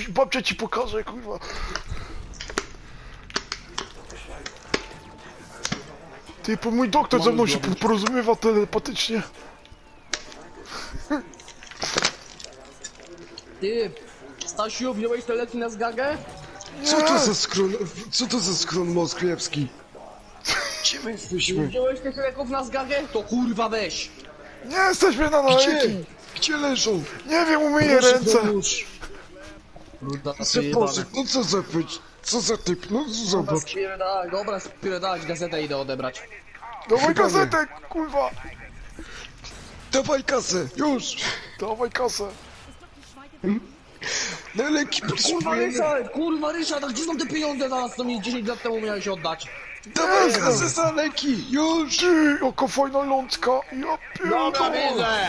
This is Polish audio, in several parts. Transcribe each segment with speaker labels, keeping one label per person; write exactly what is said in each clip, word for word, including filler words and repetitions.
Speaker 1: dziadziuś, babcia ci pokaże, kurwa. Ty, po mój doktor ze mną się porozumiewa telepatycznie.
Speaker 2: Ty, Stasiu, wziąłeś te leki na zgagę?
Speaker 3: Co to za skron... Co to za skron moskiewski? Gdzie my jesteśmy?
Speaker 2: Wziąłeś tych leków na zgagę? To kurwa weź!
Speaker 1: Nie jesteśmy na
Speaker 3: Gdzie?
Speaker 1: naleki.
Speaker 3: Gdzie leżą?
Speaker 1: Nie wiem, umyję
Speaker 3: Proszę
Speaker 1: ręce.
Speaker 3: pomóż.
Speaker 2: Ruda,
Speaker 3: Zapożyk, no co za być? Co za typ? No zobacz.
Speaker 2: Spierdalać, dobra, spierdalać, gazetę idę odebrać.
Speaker 1: Dawaj gazetę, kurwa.
Speaker 3: Dawaj kasę, już!
Speaker 1: Dawaj kasę.
Speaker 3: Na leki
Speaker 2: Kurwa
Speaker 3: potrzebujemy.
Speaker 2: Ryszard, kurwa Ryszard, a gdzie są te pieniądze zaraz, co mi dziesięć lat temu miałeś oddać?
Speaker 3: Dawaj kasę za leki, już!
Speaker 1: Ty, jaka fajna lądka. Ja
Speaker 2: Dobra,
Speaker 1: pierdolę.
Speaker 2: widzę!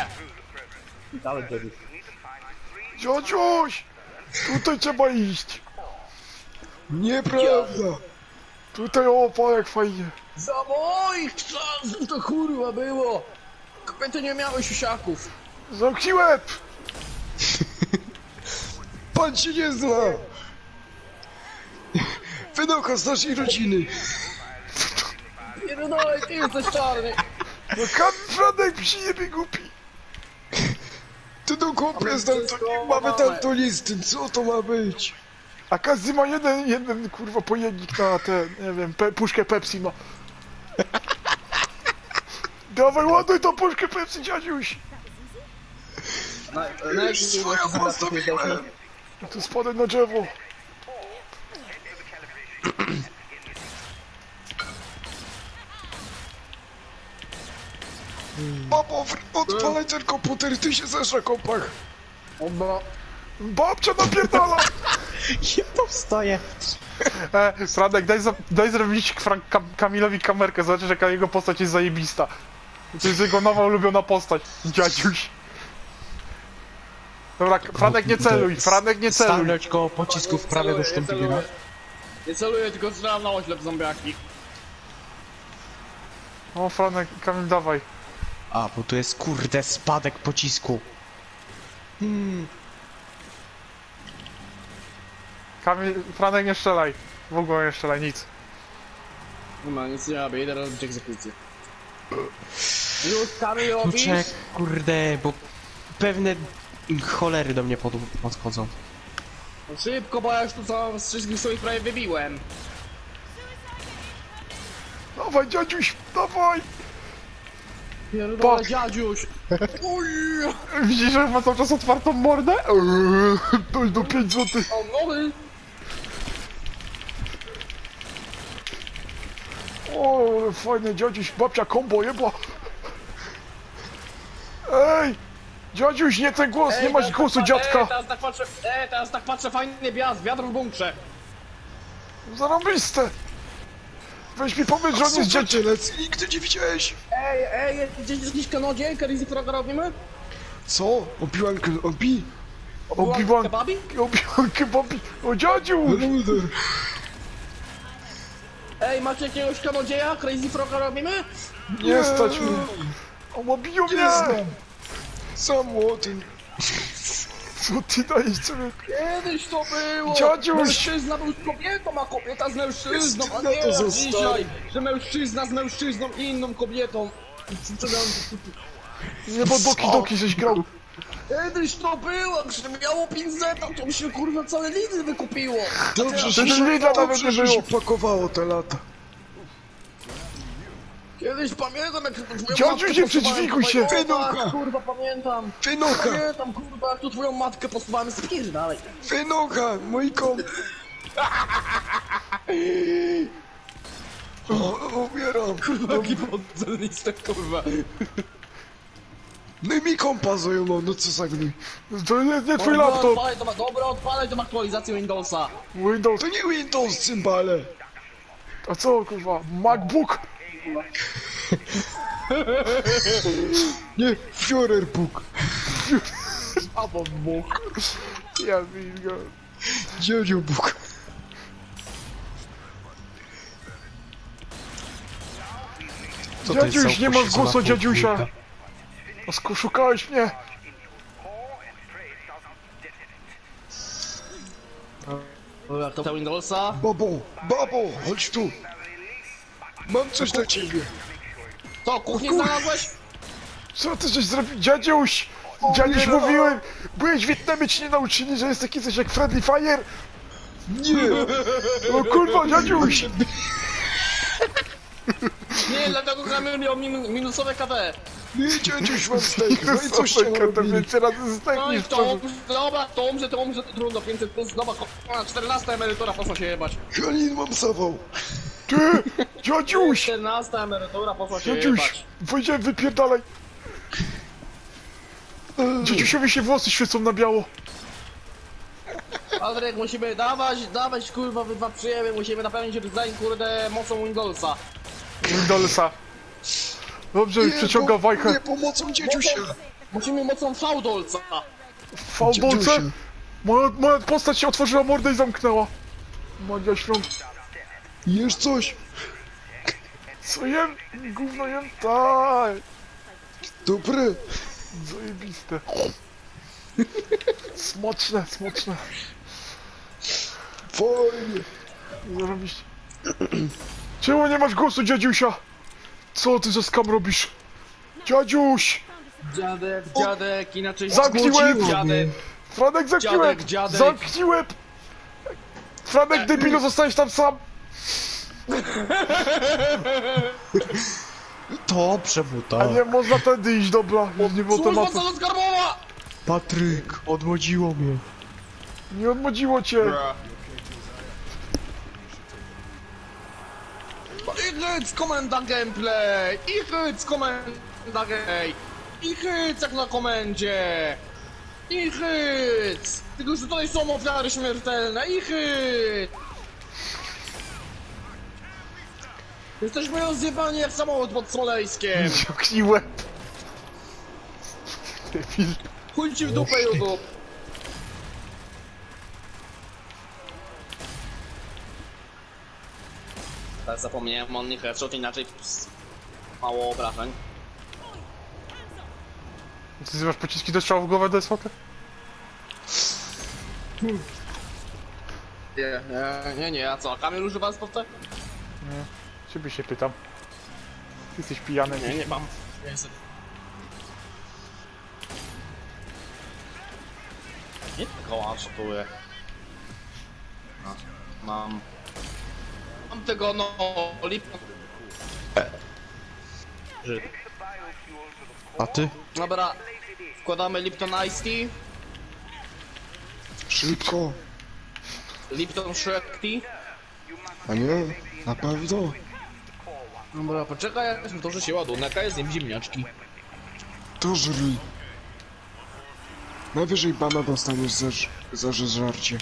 Speaker 1: Dziadziuś, tutaj trzeba iść.
Speaker 3: Nieprawda!
Speaker 1: Tutaj, o, pa, jak fajnie.
Speaker 2: Za moich czasów to kurwa było! Kobiety nie miały siusiaków.
Speaker 1: Zamknij łeb.
Speaker 3: Pan się nie zna! Wynocha z naszej rodziny!
Speaker 2: Pierdolę, ty jesteś czarny!
Speaker 1: No Franek przyjebie głupi.
Speaker 3: Ty do kupie z daltonistą, mamy daltonisty, co to ma być?
Speaker 1: A każdy ma jeden, jeden, kurwa, pojemnik na ten, nie wiem, pe puszkę Pepsi ma. Dawaj, ładuj tą puszkę Pepsi, dziadziuś.
Speaker 2: Na, na jaki
Speaker 3: Swoją postawiłem!
Speaker 1: Tu spadaj na drzewo.
Speaker 3: Papo, odpalaj ten komputer, ty się zeszła kompach!
Speaker 2: Oba.
Speaker 1: Babcia napierdala.
Speaker 4: Ja powstaję.
Speaker 1: E, Franek, daj, za, daj zrobić Frank Kam Kamilowi kamerkę, zobaczysz jaka jego postać jest zajebista. To jest jego nowa ulubiona postać, dziadziuś. Dobra, Franek nie celuj, Franek nie celuj.
Speaker 4: Stanąć koło pocisków prawego sztumpigera.
Speaker 2: Nie celuję, tylko strzelam na oślep zombiaki.
Speaker 1: O, Franek, Kamil, dawaj.
Speaker 4: A, bo tu jest kurde spadek pocisku.
Speaker 1: Kamil, Franek, nie strzelaj. W ogóle nie strzelaj, nic.
Speaker 2: Nie ma, nic nie robię, idę robić egzekucję. Już Kamil
Speaker 4: No
Speaker 2: robisz?
Speaker 4: czek, kurde, bo pewne cholery do mnie pod, podchodzą.
Speaker 2: No szybko, bo ja już tu co z wszystkich swoich prawie wybiłem.
Speaker 1: Dawaj, dziadziuś, dawaj.
Speaker 2: Pierdolę,
Speaker 1: Pak.
Speaker 2: dziadziuś! Uj!
Speaker 1: Widzisz, że ma cały czas otwartą mordę? Eee, to jest do pięć złotych.
Speaker 2: O, nowy!
Speaker 1: O, ale fajne, dziadziuś, babcia kombo jeba. Ej, dziadziuś, nie ten głos, nie masz
Speaker 2: teraz
Speaker 1: głosu
Speaker 2: tak-
Speaker 1: dziadka.
Speaker 2: Ej, teraz tak patrzę, ej, teraz tak patrzę, fajny biaz, wiatr w bunkrze.
Speaker 1: Zarobiste. Weź mi powiedz, że on jest dziadziem.
Speaker 3: dziecielec, nigdy nie widziałeś!
Speaker 2: Ej, ej, jest gdzieś jakiś kanodziej, Crazy Froga robimy?
Speaker 3: Co? Obiłan, obi?
Speaker 1: Obi-Wan,
Speaker 2: Kebabi?
Speaker 1: Obi-Wan kebabi. O, dziadziu.
Speaker 3: Luder!
Speaker 2: Ej, macie jakiegoś kanodzieja, Crazy Froga robimy?
Speaker 1: Nie stać mnie. O, obiją mnie.
Speaker 3: Nie znam! Za młody!
Speaker 1: Co ty dajesz sobie?
Speaker 2: Kiedyś to było!
Speaker 1: Dziadziuś!
Speaker 2: Mężczyzna był z kobietą, a kobieta z mężczyzną, a
Speaker 3: Krystyna
Speaker 2: nie
Speaker 3: to
Speaker 2: jak
Speaker 3: zostało.
Speaker 2: dzisiaj, że mężczyzna z mężczyzną i inną kobietą.
Speaker 1: Nie, bo Doki Doki żeś grał.
Speaker 2: Kiedyś to było, że miało pinzeta, to mi się kurwa całe Lidl wykupiło.
Speaker 3: Dobrze,
Speaker 1: Wtedy
Speaker 3: że,
Speaker 1: Lidla nawet
Speaker 3: dobrze,
Speaker 1: nie
Speaker 3: że
Speaker 1: było.
Speaker 3: się pakowało te lata.
Speaker 2: Kiedyś pamiętam, jak to twoją
Speaker 1: Dziadziuś,
Speaker 2: matkę
Speaker 1: nie przydźwiguj się.
Speaker 2: posuwałem. O,
Speaker 3: Wynocha.
Speaker 2: tak, kurwa, pamiętam.
Speaker 3: Wynocha!
Speaker 2: Pamiętam, kurwa, jak tu twoją matkę posuwałem, spierdalaj.
Speaker 3: Wynocha! Mój kom... O, umieram!
Speaker 2: Jaki podzelnistek, kurwa.
Speaker 3: No i mi kompa zajmował, no co za gnój.
Speaker 1: To nie, nie twój
Speaker 2: Dobra,
Speaker 1: laptop.
Speaker 2: odpalaj to, ma- dobra, odpalaj tą aktualizację Windowsa.
Speaker 1: Windows.
Speaker 3: To nie Windows, cymbale!
Speaker 1: A co, kurwa? MacBook.
Speaker 3: Nie, Führerbuk!
Speaker 2: Albo Bóg.
Speaker 1: Ja wilgo.
Speaker 3: Dziadziu Bóg!
Speaker 4: Co to jest
Speaker 1: Dziadziuś,
Speaker 4: za
Speaker 1: nie masz
Speaker 4: upośledzona
Speaker 1: głosu dziadziusia.
Speaker 4: podwójka?
Speaker 1: A sku- szukałeś mnie.
Speaker 2: Dobra, to Windowsa.
Speaker 3: Babo, babo, chodź tu. Mam coś dla ciebie.
Speaker 2: To, kuchnię
Speaker 3: kur-
Speaker 2: znalazłeś?
Speaker 1: Co ty żeś zrobił? Dziadziuś! Dziadziuś,
Speaker 3: nie.
Speaker 1: mówiłem! Byłeś w Wietnamie, ci nie nauczyli, że jest taki coś jak Friendly Fire?
Speaker 3: Nie,
Speaker 1: O kurwa, dziadziuś!
Speaker 2: Nie, dlatego gramy miał min minusowe K D.
Speaker 3: nie, dziadziuś, mam steak. No i coś tam
Speaker 1: to
Speaker 3: robili.
Speaker 1: więcej razy
Speaker 2: No i
Speaker 1: zdechniesz,
Speaker 2: to, dobra, to umrze, to umrze, to trudno, pięćset plus, dobra, czternasta emerytura, poszła się jebać.
Speaker 3: Halin, mam zawał.
Speaker 1: Ty! Dziadziuś!
Speaker 2: czternasta emerytura, poszła się
Speaker 1: Dziadziuś!
Speaker 2: jebać.
Speaker 1: Wojdziemy, wypierdalaj! Dziadziusiowi się włosy świecą na biało.
Speaker 2: Adrek, musimy dawać, dawać, kurwa, wy dwa przyjemy, musimy napełnić design, kurde, mocą Windowsa.
Speaker 1: Windowsa. Dobrze, już
Speaker 3: Nie,
Speaker 1: przeciąga
Speaker 3: bo-
Speaker 1: wajchę.
Speaker 3: Nie, pomocą dziadziusia.
Speaker 2: Musimy mocą Faudolca.
Speaker 1: W fałbolce?
Speaker 3: Dziadziusia.
Speaker 1: Moja, moja postać się otworzyła mordę i zamknęła. Magia świąt.
Speaker 3: Jesz coś?
Speaker 1: Co jem? Gówno jem? Tak.
Speaker 3: Dobre.
Speaker 1: Zajebiste. Smoczne, smoczne.
Speaker 3: Fajnie.
Speaker 1: Zarobiście. Czemu nie masz głosu, dziadziusia? Co ty za skam robisz? Dziadziuś!
Speaker 2: Dziadek, dziadek, inaczej...
Speaker 1: Zamknij łeb!
Speaker 2: Dziadek,
Speaker 1: Franek, zamknij
Speaker 2: Dziadek,
Speaker 1: łeb!
Speaker 2: dziadek.
Speaker 1: Zamknij łeb! Franek, debilu, zostałeś tam sam!
Speaker 4: To przebuta.
Speaker 1: A nie, można tędy iść, dobra. Nie było
Speaker 2: służba
Speaker 1: tematu.
Speaker 2: co skarbowa!
Speaker 4: Patryk, odmłodziło mnie.
Speaker 1: Nie odmodziło cię.
Speaker 2: I hyc, komenda gameplay! I hyc, komenda gay! I hyc jak na komendzie! I hyc! Tylko, że tutaj są ofiary śmiertelne! I hyc! Jesteśmy rozjebani jak samochód pod Smoleńskiem!
Speaker 1: Zamknij łeb. Debil.
Speaker 2: Chuj ci w dupę, YouTube! Teraz zapomniałem o nich headshot, inaczej ps, mało obrażeń.
Speaker 1: Ty masz pociski do strzału w głowę do S V T?
Speaker 2: Nie, nie, nie, nie, a co, Kamil używa spotę?
Speaker 1: Ciebie się pytam. Ty jesteś pijany.
Speaker 2: Nie, nie mam. Niestety. Nie tylko one-shotuję. No, mam... Mam tego, no, Lipton. Żyd.
Speaker 4: A ty?
Speaker 2: Dobra, wkładamy Lipton Ice Tea,
Speaker 3: Szybko.
Speaker 2: Lipton Shrek Tea.
Speaker 3: A nie? Na pewno.
Speaker 2: Dobra, poczekaj, jak to, że się ładunek, a jest nim ziemniaczki.
Speaker 3: To żryj. Najwyżej bana dostaniesz za, ż- za żarcie.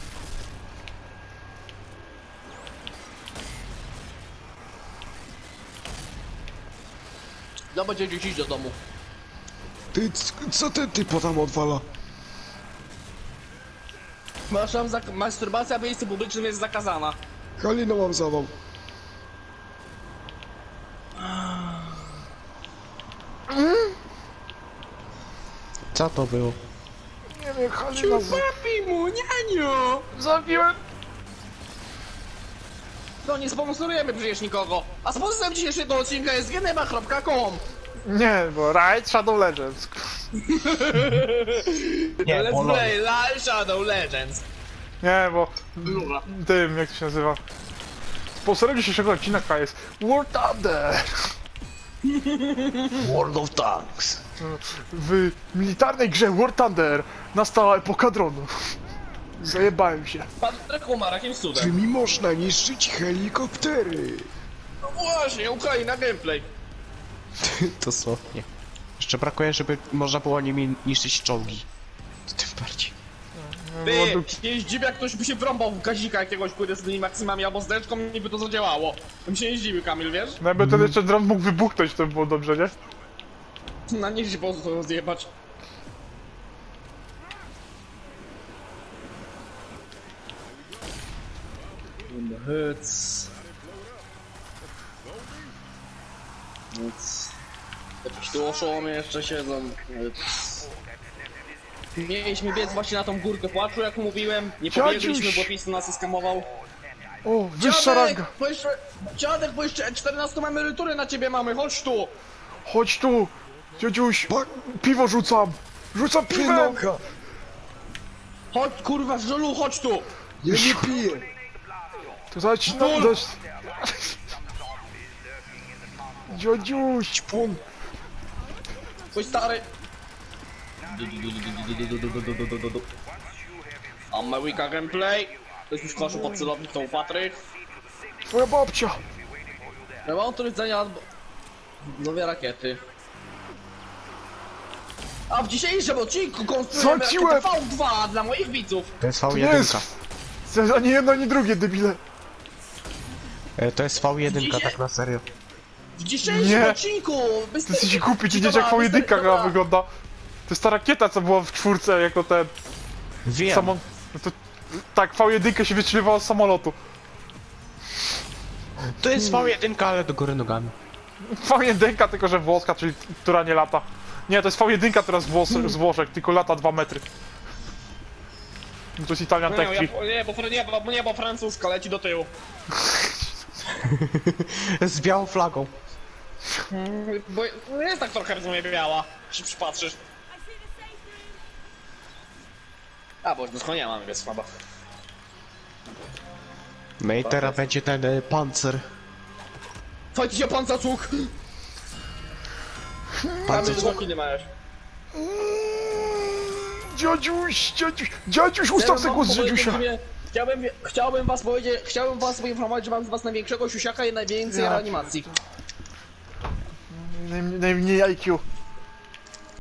Speaker 2: No będzie dziś iść do domu.
Speaker 3: Ty, c- co ten typ tam odwala?
Speaker 2: Masz tam zak- masturbacja w miejscu publicznym jest zakazana.
Speaker 3: Halina, mam zawał.
Speaker 4: Co to było?
Speaker 1: Nie wiem, Halina z...
Speaker 2: Papi mu, nianiu!
Speaker 1: Zabiłem!
Speaker 2: No nie sponsorujemy przecież nikogo. A sponsorem dzisiejszego odcinka jest geneba kropka com.
Speaker 1: Nie, bo Raid Shadow Legends.
Speaker 4: Nie,
Speaker 2: Let's
Speaker 4: Polo.
Speaker 2: play Live Shadow Legends.
Speaker 1: Nie, bo
Speaker 2: Dobra.
Speaker 1: tym, jak to się nazywa? Sponsorem dzisiejszego odcinka jest War Thunder.
Speaker 4: World of Tanks.
Speaker 1: W militarnej grze War Thunder nastała epoka dronów. Zajebałem się.
Speaker 2: Patryk umarł jakimś cudem.
Speaker 3: Czy mi można niszczyć helikoptery?
Speaker 2: No właśnie, Ukraina gameplay.
Speaker 4: Dosłownie. Jeszcze brakuje, żeby można było nimi niszczyć czołgi. To tym bardziej.
Speaker 2: Ty, się nie zdziwię, jak ktoś by się wrąbał w gazika jakiegoś kurde z tymi maksymami albo z deczką i by to zadziałało. Bym się nie zdziwił, Kamil, wiesz?
Speaker 1: No jakby ten jeszcze dron mógł wybuchnąć, to by było dobrze, nie?
Speaker 2: Na nich się po prostu rozjebać. Hyc. Hyc. Jakieś tu oszołomy jeszcze siedzą. Hyc. Mieliśmy biec właśnie na tą górkę płaczu, jak mówiłem. Nie
Speaker 1: Dziadziuś!
Speaker 2: pobiegliśmy, bo PiS nas skamował.
Speaker 1: O, wyższa
Speaker 2: Dziadek,
Speaker 1: ranga.
Speaker 2: bo jeszcze, dziadek, bo jeszcze czternastą emeryturę na ciebie mamy, chodź tu!
Speaker 1: Chodź tu. Dziadziuś, piwo rzucam. Rzucam piwem.
Speaker 3: Pinoka!
Speaker 2: Chodź, kurwa, żulu, chodź tu!
Speaker 3: Ja nie piję!
Speaker 1: To dać, no, dać. Dziadziuś.
Speaker 3: Pum!
Speaker 2: Twój stary... America Gameplay. Ktoś już koszu pod celownik, to Patryk.
Speaker 1: Twoja babcia.
Speaker 2: Remont rdzenia albo... Nowe rakiety. A w dzisiejszym odcinku konstruujemy
Speaker 1: Zaciłem!
Speaker 2: rakietę V dwa dla moich widzów.
Speaker 4: To jest
Speaker 1: To
Speaker 4: V
Speaker 1: nie
Speaker 4: jeden.
Speaker 1: jest... Ani jedno, ani drugie, debile.
Speaker 4: E, To jest V jeden,
Speaker 2: Dzisiaj-
Speaker 4: tak na serio.
Speaker 2: W dzisiejszym
Speaker 1: Nie.
Speaker 2: odcinku! Bez
Speaker 1: Ty jesteś głupi, ty
Speaker 2: Ci
Speaker 1: wiesz jak
Speaker 2: dobra,
Speaker 1: V jeden
Speaker 2: wystarczy-
Speaker 1: gra
Speaker 2: dobra.
Speaker 1: wygląda. To jest ta rakieta, co była w czwórce, jako ten...
Speaker 4: Wiem.
Speaker 1: Samo... No to... Tak, V jeden się wystrzeliwała z samolotu.
Speaker 4: To jest V jeden, ale do góry nogami.
Speaker 1: V jeden, tylko że włoska, czyli która nie lata. Nie, to jest V jeden teraz z, Włos z Włoszech, tylko lata dwa metry. No to jest Italian
Speaker 2: Nie,
Speaker 1: Tech
Speaker 2: ja,
Speaker 1: Tree.
Speaker 2: nie, bo, nie, bo, nie, bo francuska leci do tyłu.
Speaker 4: Z białą flagą.
Speaker 2: Bo no jest tak trochę, rozumie, biała. Się przypatrzysz. A, bo już nie mam, więc słaba.
Speaker 4: No i teraz będzie ten e, pancer.
Speaker 2: Fajcie się pan zacuk!
Speaker 4: Pancer
Speaker 2: Mamy dwa kiny masz.
Speaker 1: Dziadziuś, dziadziuś, dziadziuś, ustaw sobie głos z dziadziusia.
Speaker 2: Chciałbym, chciałbym was powiedzieć, chciałbym was poinformować, że mam z was największego siusiaka i najwięcej
Speaker 1: Ja.
Speaker 2: reanimacji.
Speaker 1: Naj, najmniej I Q.